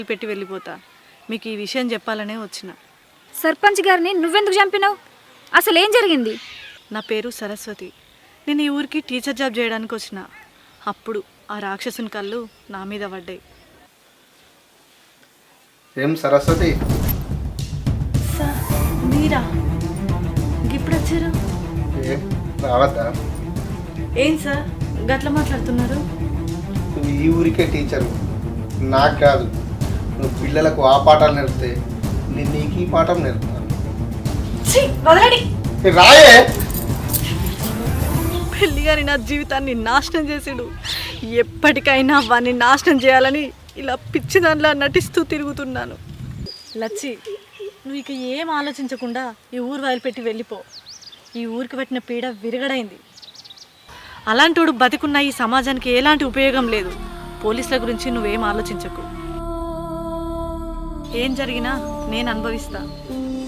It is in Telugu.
పెట్టి వెళ్ళిపోతా. మీకు ఈ విషయం చెప్పాలనే వచ్చిన. సర్పంచ్ గారిని నువ్వెందుకు చంపినావు? అసలు ఏం జరిగింది? నా పేరు సరస్వతి. నేను ఈ ఊరికి టీచర్ జాబ్ చేయడానికి వచ్చిన. అప్పుడు ఆ రాక్షసుని కళ్ళు నా మీద పడ్డాయి. ఏం సరస్వతి? సార్ మీరా? ఇప్పుడు వచ్చారు? ఏం రావద్దా? ఏం సార్ గట్ల మాట్లాడుతున్నారు? నువ్వు ఈ ఊరికే టీచరు, నాకు కాదు. నువ్వు పిల్లలకు ఆ పాఠాలు నేర్పితే నేను నీకు ఈ పాఠం నేర్పుతాను. రాయే పెళ్లి గారి నా జీవితాన్ని నాశనం చేసాడు. ఎప్పటికైనా వాడిని నాశనం చేయాలని ఇలా పిచ్చి దానిలా నటిస్తూ తిరుగుతున్నాను. లచ్చి, నువ్వు ఇక ఏం ఆలోచించకుండా ఈ ఊరు వదిలిపెట్టి వెళ్ళిపో. ఈ ఊరికి పట్టిన పీడ విరగడైంది. అలాంటోడు బతికున్న ఈ సమాజానికి ఎలాంటి ఉపయోగం లేదు. పోలీసుల గురించి నువ్వేం ఆలోచించకు. ఏం జరిగినా నేను అనుభవిస్తా.